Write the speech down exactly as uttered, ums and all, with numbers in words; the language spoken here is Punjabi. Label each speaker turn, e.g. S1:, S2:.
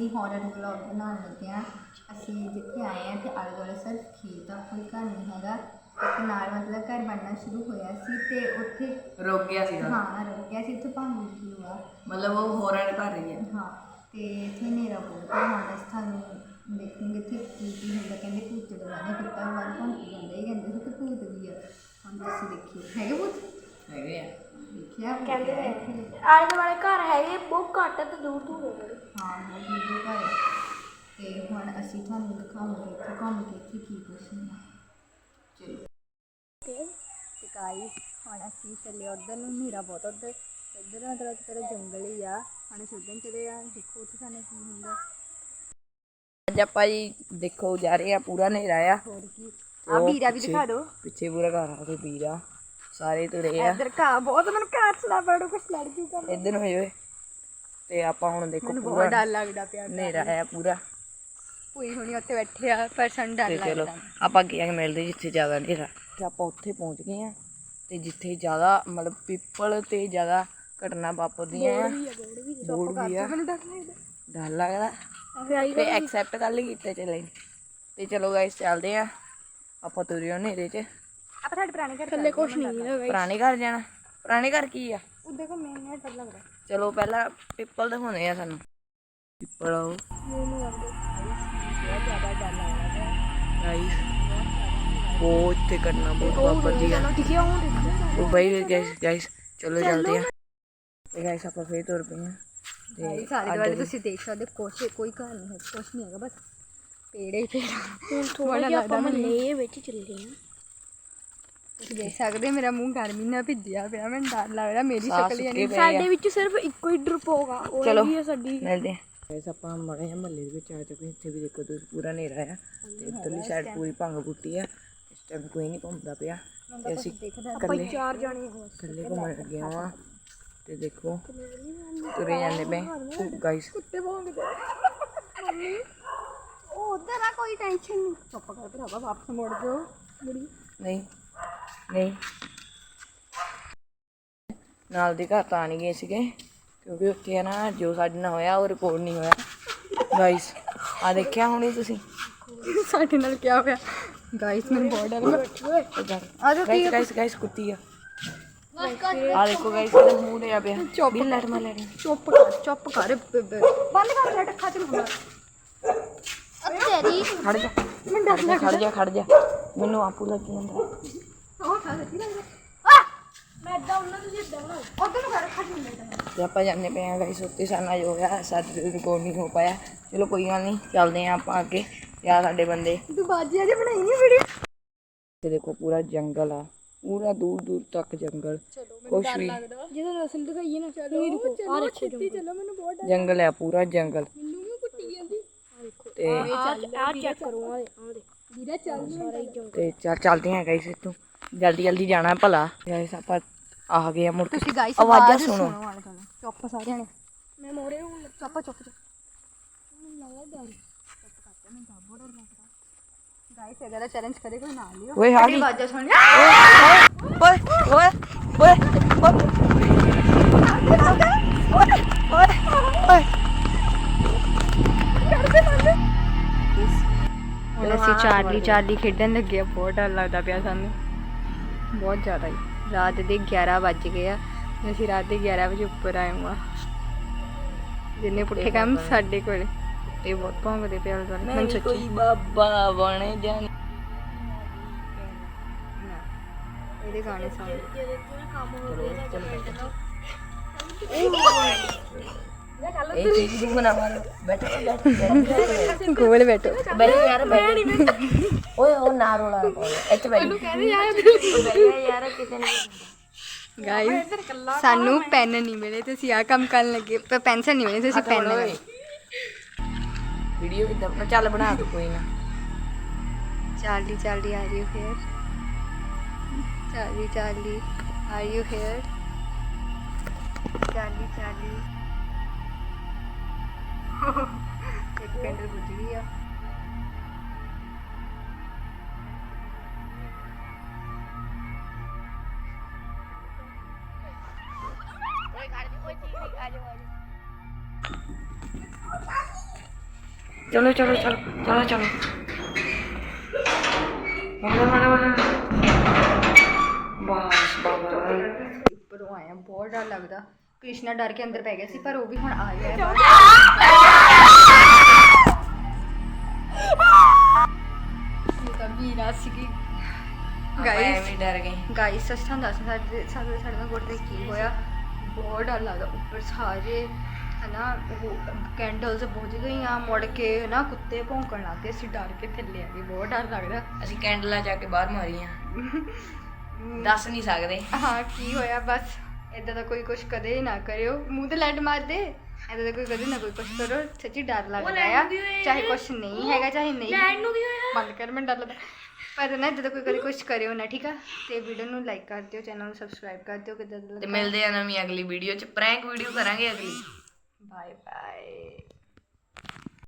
S1: ਅਸੀਂ ਹੌਰਰ ਵਲੌਗ ਬਣਾਉਣ ਲੱਗੇ ਹਾਂ। ਅਸੀਂ ਜਿੱਥੇ ਆਏ ਹਾਂ ਤੇ ਆਲੇ ਦੁਆਲੇ ਸਿਰਫ ਖੇਤ ਆ, ਕੋਈ ਘਰ ਨਹੀਂ ਹੈਗਾ। ਇੱਕ ਨਾਲ ਮਤਲਬ ਘਰ ਬਣਨਾ ਸ਼ੁਰੂ ਹੋਇਆ ਸੀ ਤੇ ਉੱਥੇ
S2: ਰੁਕ ਗਿਆ ਸੀਗਾ।
S1: ਹਾਂ ਰੁਕ ਗਿਆ ਸੀ, ਉੱਥੇ ਭੰਗ ਲਿਖੀ ਹੋਆ
S2: ਮਤਲਬ ਉਹ ਹੌਰਰ ਕਰ ਰਹੀ ਹੈ।
S1: ਹਾਂ ਤੇ ਇੱਥੇ ਹਨੇਰਾ ਬਹੁਤ ਆ। ਹੁਣ ਅਸੀਂ ਤੁਹਾਨੂੰ ਦੇਖਾਂਗੇ ਇੱਥੇ ਕੀ ਕੀ ਹੁੰਦਾ। ਕਹਿੰਦੇ ਭੂਤ ਡਰਾਉਂਦੇ, ਕੁੱਤਾ ਵਾਲ ਭੌਂਕੀ ਜਾਂਦਾ, ਇਹ ਕਹਿੰਦੇ ਸੀ ਕਿ ਭੂਤ ਵੀ ਆ। ਹੁਣ ਤੁਸੀਂ ਦੇਖਿਓ, ਹੈਗੇ ਭੂਤ
S2: ਹੈਗੇ ਆ।
S1: ਦੇਖਿਆ
S3: ਕਹਿੰਦੇ ਆਲੇ ਦੁਆਲੇ ਘਰ ਹੈਗੇ ਬਹੁਤ ਘੱਟ ਤੇ ਦੂਰ ਦੂਰ ਹੋਵੇ।
S1: ਹਾਂ ਬਹੁਤ ਦੂਰ ਘਰ। ਤੇ ਹੁਣ ਅਸੀਂ ਤੁਹਾਨੂੰ ਦਿਖਾਵਾਂਗੇ ਇੱਥੇ ਘੁੰਮ ਕੇ ਇੱਥੇ ਕੀ ਕੁਛ ਨਹੀਂ। ਚਲੋ ਤੇ ਗਾਈਸ ਹੁਣ ਅਸੀਂ ਚੱਲੇ ਉੱਧਰ ਨੂੰ। ਹਨੇਰਾ ਬਹੁਤ ਉੱਧਰ ਇੱਧਰ ਮਤਲਬ ਇੱਕ ਤਰ੍ਹਾਂ ਜੰਗਲ ਹੀ ਆ। ਹੁਣ ਅਸੀਂ ਉੱਧਰ ਚਲੇ ਆ, ਦੇਖੋ ਉੱਥੇ ਸਾਨੂੰ ਕੀ ਹੁੰਦਾ।
S2: ਅੱਜ ਆਪਾਂ ਜੀ ਦੇਖੋ ਜਾ ਰਹੇ ਆ, ਪੂਰਾ ਹਨੇਰਾ ਆ।
S1: ਹੋਰ ਕੀ ਆ, ਵੀਰਾ ਵੀ ਦਿਖਾ ਦਿਓ
S2: ਪਿੱਛੇ ਪੂਰਾ ਘਰ ਆ ਕੋਈ ਵੀਰਾ, ਸਾਰੇ ਤੁਰੇ ਆ।
S1: ਇੱਧਰ ਘਾਹ ਬਹੁਤ, ਮੈਨੂੰ ਘਾਹ ਚਲਾ ਪੜੋ ਕੁਛ ਲੜ ਜੂਗਾ।
S2: ਇੱਧਰ ਨੂੰ ਹੋਏ ਤੇ ਆਪਾਂ ਹੁਣ ਦੇਖੋ
S1: ਮੈਨੂੰ ਬਹੁਤ
S2: ਪੂਰਾ
S1: ਡਰ ਲੱਗਦਾ ਪਿਆ।
S2: ਹਨੇਰਾ ਆ ਪੂਰਾ।
S1: ਭੂਈ ਹੁਣੀ ਉੱਥੇ ਬੈਠੇ ਆ ਪਰ ਸਾਨੂੰ ਡਰ
S2: ਤੇ ਚਲੋ
S1: ਲੱਗਦਾ।
S2: ਆਪਾਂ ਅੱਗੇ ਆ ਕੇ ਮਿਲਦੇ ਜਿੱਥੇ ਜ਼ਿਆਦਾ ਹਨੇਰਾ। ਤੇ ਆਪਾਂ ਉੱਥੇ ਪਹੁੰਚ ਗਏ ਆ ਤੇ ਜਿੱਥੇ ਜ਼ਿਆਦਾ ਮਤਲਬ ਪੀਪਲ ਤੇ ਜ਼ਿਆਦਾ ਘਟਨਾ ਵਾਪਰਦੀਆਂ ਆ। ਬੋਰਡ ਵੀ ਆ,
S1: ਮੈਨੂੰ ਡਰ ਲੱਗਦਾ।
S2: ਡਰ ਲੱਗਦਾ ਤੇ ਐਕਸੈਪਟ ਕਰ ਲਈ ਕੀਤੇ ਚਲੇ। ਤੇ ਚਲੋ ਗਾਇਸ ਚੱਲਦੇ ਆ ਆਪਾਂ ਤੁਰਿਓ ਹਨੇਰੇ 'ਚ।
S1: ਆਪਾਂ ਸਾਡੇ ਪੁਰਾਣੇ ਘਰ
S3: ਥੱਲੇ ਕੁਛ ਨਹੀਂ ਹੈਗਾ।
S2: ਪੁਰਾਣੇ ਘਰ ਜਾਣਾ। ਪੁਰਾਣੇ ਘਰ ਕੀ ਆ?
S1: ਉੱਧਰ ਕੋ ਮੈਨੂੰ ਡਰ ਲੱਗਦਾ।
S2: ਚਲੋ ਪਹਿਲਾਂ ਪਿੱਪਲ ਦਿਖਾਉਂਦੇ ਆ ਸਾਨੂੰ। ਪਿੱਪਲ ਆਓ
S1: ਮੈਨੂੰ ਬਹੁਤ ਜ਼ਿਆਦਾ ਡਰ ਲੱਗਦਾ
S2: ਗਾਇਸ। ਬਹੁਤ ਇੱਥੇ ਘਟਨਾ ਬਹੁਤ ਵਾਪਰਦੀ ਆ।
S3: ਦਿਖਿਆ ਉਹ ਦੇਖੋ
S2: ਉਹ ਬਾਈ ਗਾਇਸ ਗਾਇਸ ਚਲੋ ਚੱਲਦੇ ਆ। ਤੇ ਗਾਇਸ ਆਪਾਂ ਫੇਰ ਤੁਰ ਪਏ ਆ।
S1: ਤੇ ਸਾਰੇ ਦੁਆਲੇ ਤੁਸੀਂ ਦੇਖ ਸਕਦੇ ਕੁਛ ਕੋਈ ਘਰ ਨਹੀਂ ਹੈ, ਕੁਛ ਨਹੀਂ ਹੈਗਾ, ਬਸ ਪੇੜੇ ਹੀ ਪੇੜ।
S3: ਹੁਣ ਥੋੜਾ ਜਿਹਾ ਆਪਾਂ ਮਹੱਲੇ ਵਿੱਚ ਚੱਲੇ ਆ।
S1: ਤੁਸੀਂ ਦੇਖ ਸਕਦੇ ਮੇਰਾ ਮੂੰਹ ਗਰਮੀ ਨਾਲ ਭਿੱਜਿਆ ਪਿਆ, ਮੈਨੂੰ ਡਰ ਲੱਗਦਾ। ਮੇਰੀ ਸ਼ਕਲ ਹੀ ਨਹੀਂ।
S3: ਸਾਡੇ ਵਿੱਚ ਸਿਰਫ ਇੱਕੋ ਹੀ ਡਰਪੋਗਾ, ਉਹ ਵੀ ਹੈ ਸਾਡੀ।
S2: ਮਿਲਦੇ ਆ ਗਾਇਸ। ਆਪਾਂ ਮਾੜੇ ਜਿਹੇ ਮਹੱਲੇ ਦੇ ਵਿੱਚ ਆ ਚੁੱਕੇ। ਇੱਥੇ ਵੀ ਦੇਖੋ ਤੁਸੀਂ ਪੂਰਾ ਹਨੇਰਾ ਆ ਤੇ ਇੱਧਰਲੀ ਸਾਈਡ ਪੂਰੀ ਭੰਗ ਬੂਟੀ ਆ। ਇਸ ਟਾਈਮ ਕੋਈ ਨਹੀਂ ਘੁੰਮਦਾ ਪਿਆ ਤੇ ਅਸੀਂ ਇਕੱਲੇ
S3: ਚਾਰ ਜਾਣੇ
S2: ਇਕੱਲੇ ਘੁੰਮਣ ਲੱਗੇ ਹਾਂ। ਤੇ ਦੇਖੋ ਤੁਰੇ ਜਾਂਦੇ ਪਏ ਗਾਇਸ।
S1: ਕੁੱਤੇ ਭੌਂਕਦੇ ਮੰਮੀ। ਉਹ ਉਧਰ ਆ, ਕੋਈ ਟੈਨਸ਼ਨ ਨਹੀਂ। ਚੁੱਪ ਕਰ ਭਰਾਵਾ, ਵਾਪਸ ਮੁੜ ਜਾਓ। ਮੁੜੀ
S2: ਨਹੀਂ ਨਹੀਂ ਨਾਲ ਦੇ ਘਰ ਤਾਂ ਨਹੀਂ ਗਏ ਸੀਗੇ ਕਿਉਂਕਿ ਉੱਥੇ ਨਾ ਜੋ ਸਾਡੇ ਨਾਲ ਹੋਇਆ ਉਹ ਰਿਪੋਰਟ ਨਹੀਂ ਹੋਇਆ ਗਾਇਸ। ਆ ਦੇਖਿਆ ਹੁਣੀ ਤੁਸੀਂ
S1: ਸਾਡੇ ਨਾਲ ਕੀ ਹੋਇਆ ਗਾਇਸ? ਮੈਨੂੰ ਬਹੁਤ ਡਰ ਲੱਗਦਾ।
S2: ਗਾਇਸ ਗਾਇਸ ਗਾਇਸ ਕੁੱਤੀ ਆ। ਆ ਦੇਖੋ ਗਾਇਸ ਇਹਦਾ ਮੂੰਹ ਲਿਆ ਪਿਆ।
S1: ਚੁੱਪ
S2: ਲੈਟ ਮਾਰ ਲੈਣੀ।
S1: ਚੁੱਪ ਕਰ ਚੁੱਪ ਕਰ ਬੰਦ ਕਰ ਲੈ ਅੱਖਾਂ ਚ ਹੁੰਦਾ। ਤੇਰੀ
S2: ਖੜ ਜਾ ਖੜ ਜਾ ਖੜ ਜਾ ਮੈਨੂੰ ਆਪੂ ਲੱਗ ਜਾਂਦਾ।
S1: ਉਹ ਖਾ ਸੱਚੀ ਲੱਗਦਾ।
S3: ਮੈਂ ਇਦਾਂ ਉਹਨਾਂ ਤੁਸੀਂ ਇਦਾਂ ਬਣਾਓ।
S1: ਉਧਰ ਨੂੰ ਕਰ ਅੱਖਾਂ ਚ ਹੁੰਦਾ।
S2: ਤੇ ਆਪਾਂ ਜਾਂਦੇ ਪਏ ਆ ਗਾਇਸ। ਉੱਤੇ ਸਾਨਾ ਜੋ ਹੋਇਆ ਸਾਡੇ ਰਿਕਾਰਡ ਨਹੀਂ ਹੋ ਪਾਇਆ। ਚਲੋ ਕੋਈ ਗੱਲ ਨਹੀਂ, ਚੱਲਦੇ ਆ ਆਪਾਂ ਅੱਗੇ। ਤੇ ਆ ਸਾਡੇ ਬੰਦੇ।
S1: ਤੂੰ ਬਾਜੀਆਂ ਜੇ ਬਣਾਈ ਨਹੀਂ ਵੀਡੀਓ।
S2: ਤੇ ਦੇਖੋ ਪੂਰਾ ਜੰਗਲ ਆ, ਪੂਰਾ ਦੂਰ ਦੂਰ ਤੱਕ ਜੰਗਲ। ਕੁਛ ਵੀ
S3: ਜਦੋਂ ਨਸਲ ਦਿਖਾਈਏ ਨਾ
S1: ਚਲੋ ਚਲੋ ਛੇਤੀ ਚਲੋ, ਮੈਨੂੰ ਬਹੁਤ ਡਰ।
S2: ਜੰਗਲ ਆ, ਪੂਰਾ ਜੰਗਲ।
S1: ਮੈਨੂੰ ਵੀ ਕੁੱਟੀ ਜਾਂਦੀ।
S2: ਤੇ
S3: ਆ ਚੈੱਕ ਕਰੋ ਆ ਦੇ
S1: ਵੀਰਾ ਚੱਲ
S3: ਸਾਰਾ ਹੀ ਜੰਗਲ।
S2: ਤੇ ਚੱਲ ਚੱਲਦੇ ਆ ਗਾਇਸ। ਇੱਥੋਂ ਜਲਦੀ ਜਲਦੀ ਜਾਣਾ ਭਲਾ। ਗਾਇਸ ਆਪਾਂ ਆ ਗਏ ਆ ਮੁੜ ਕੇ।
S1: ਤੁਸੀਂ ਗਾਇਸ
S2: ਆਵਾਜ਼ਾਂ ਸੁਣੋ।
S1: ਚੁੱਪ ਸਾਰਿਆਂ ਨੇ।
S3: ਮੈਂ ਮੋਰੇ ਹੁਣ
S1: ਚੁੱਪ ਚੁੱਪ ਚੁੱਪ। ਮੈਨੂੰ ਲੱਗਦਾ ਡਰ। ਚੁੱਪ ਕਰ ਮੈਨੂੰ ਤਾਂ ਬਹੁਤ ਡਰ ਲੱਗਦਾ। ਗਾਇਸ ਅਗਰ ਇਹ ਚੈਲੰਜ ਕਰੇ ਕੋਈ ਨਾ ਲਿਓ।
S2: ਓਏ ਆ ਗਈ।
S1: ਆਵਾਜ਼ਾਂ ਸੁਣ।
S2: ਓਏ ਓਏ ਓਏ ਓਏ ਓਏ
S1: ਹੁਣ ਅਸੀਂ ਚਾਰਲੀ ਚਾਰਲੀ ਖੇਡਣ ਲੱਗੇ ਆ। ਬਹੁਤ ਡਰ ਲੱਗਦਾ ਪਿਆ ਸਾਨੂੰ, ਬਹੁਤ ਜ਼ਿਆਦਾ ਹੀ। ਰਾਤ ਦੇ ਗਿਆਰਾਂ ਵੱਜ ਗਏ ਆ ਤੇ ਅਸੀਂ ਰਾਤ ਦੇ ਗਿਆਰਾਂ ਵਜੇ ਉੱਪਰ ਆਏ ਹਾਂ। ਜਿੰਨੇ ਪੁੱਠੇ ਕੰਮ ਸਾਡੇ ਕੋਲ। ਇਹ ਬਹੁਤ ਭੌਂਕਦੇ ਪਿਆ ਗੱਲ। ਮੈਨੂੰ ਸੱਚੀ
S2: ਕੋਈ ਬਾਬਾ ਬਣੇ ਜਾਣੀ।
S1: ਇਹਦੇ ਗਾਣੇ ਸੁਣ।
S2: ਇਹ ਚੀਜ਼ ਨੂੰ ਨਾ ਮਾਰੋ। ਬੈਠੋ ਬੈਠੋ
S1: ਗੋਲ ਬੈਠੋ।
S2: ਬੈਠੋ ਯਾਰ ਬੈਠੋ। ਓਏ ਉਹ ਨਾ ਰੋਲਾ ਇੱਥੇ ਬੈਠੋ। ਕਹਿੰਦੇ ਯਾਰ ਯਾਰ ਕਿਸੇ ਨੇ
S1: ਗਾਇਸ ਸਾਨੂੰ ਪੈਨ ਨਹੀਂ ਮਿਲੇ ਤੇ ਅਸੀਂ ਆਹ ਕੰਮ ਕਰਨ ਲੱਗੇ। ਪਰ ਪੈਨਸਲ ਨਹੀਂ ਮਿਲੇ ਤੇ ਅਸੀਂ ਪੈਨ ਲਏ।
S2: ਵੀਡੀਓ ਕਿੱਦਾਂ ਬਣਾ? ਚੱਲ ਬਣਾ ਦੋ ਕੋਈ ਨਾ।
S1: ਚਾਰਲੀ ਚਾਰਲੀ ਆ ਰਹੀ ਫੇਰ। Charlie Charlie are you here? Charlie Charlie ਇੱਕ ਕੈਂਡਲ ਬੁੱਝ ਗਈ ਆ।
S2: ਚਲੋ ਚਲੋ ਚਲੋ ਚਲੋ ਚਲੋ ਮਾੜਾ ਮਾੜਾ ਮਾੜਾ ਬਸ ਬਾਬਾ
S1: ਉੱਪਰੋਂ ਆਇਆ ਬਹੁਤ ਡਰ ਲੱਗਦਾ। ਕ੍ਰਿਸ਼ਨਾ ਡਰ ਕੇ ਅੰਦਰ ਪੈ ਗਿਆ ਸੀ ਪਰ ਉਹ ਵੀ ਹੁਣ ਆ ਗਿਆ ਹੈ ਬਾਹਰ। ਇਹ ਤਾਂ ਵੀਰਾ ਸੀਗੀ ਗਾਇਸ
S2: ਵੀ ਡਰ ਗਏ।
S1: ਗਾਇਸ ਸੱਚਾਂ ਦੱਸ ਸਾਡੇ ਸਾਡੇ ਸਾਡੇ ਨਾਲ ਗੋਡੇ ਕੀ ਹੋਇਆ, ਬਹੁਤ ਡਰ ਲੱਗਦਾ। ਉੱਪਰ ਸਾਰੇ ਹਨਾ ਉਹ ਕੈਂਡਲਸ ਬੁਝ ਗਈਆਂ, ਮੁੜ ਕੇ ਨਾ ਕੁੱਤੇ ਭੌਂਕਣ ਲੱਗ ਗਏ, ਅਸੀਂ ਡਰ ਕੇ ਥੱਲੇ ਆ ਗਏ, ਬਹੁਤ ਡਰ ਲੱਗਦਾ।
S2: ਅਸੀਂ ਕੈਂਡਲਾਂ ਜਾ ਕੇ ਬਾਹਰ ਮਾਰੀਆਂ, ਦੱਸ ਨਹੀਂ ਸਕਦੇ।
S1: ਹਾਂ ਕੀ ਹੋਇਆ, ਬਸ ਇੱਦਾਂ ਦਾ ਕੋਈ ਕੁਛ ਕਦੇ ਨਾ ਕਰਿਓ, ਮੂੰਹ ਤੇ ਲੈਟ ਮਾਰ ਦੇ, ਇੱਦਾਂ ਦਾ ਕੋਈ ਕਦੇ ਨਾ ਕੋਈ ਕੁਛ ਕਰੋ, ਸੱਚੀ ਡਰ ਲੱਗਦਾ ਆ। ਚਾਹੇ ਕੁਛ ਨਹੀਂ ਹੈਗਾ ਚਾਹੇ ਨਹੀਂ, ਬੰਦ ਕਰ, ਮੈਨੂੰ ਡਰ ਲੱਗਦਾ। ਪਰ ਨਾ ਇੱਦਾਂ ਦਾ ਕੋਈ ਕਦੇ ਕੁਛ ਕਰਿਓ ਨਾ, ਠੀਕ ਆ। ਤੇ ਵੀਡੀਓ ਨੂੰ ਲਾਈਕ ਕਰ ਦਿਓ, ਚੈਨਲ ਨੂੰ ਸਬਸਕ੍ਰਾਈਬ ਕਰ ਦਿਓ। ਕਿੱਦਾਂ
S2: ਤੇ ਮਿਲਦੇ ਆ ਨਵੀਂ ਅਗਲੀ ਵੀਡੀਓ 'ਚ, ਪ੍ਰੈਂਕ ਵੀਡੀਓ ਕਰਾਂਗੇ ਅਗਲੀ।
S1: Bye bye.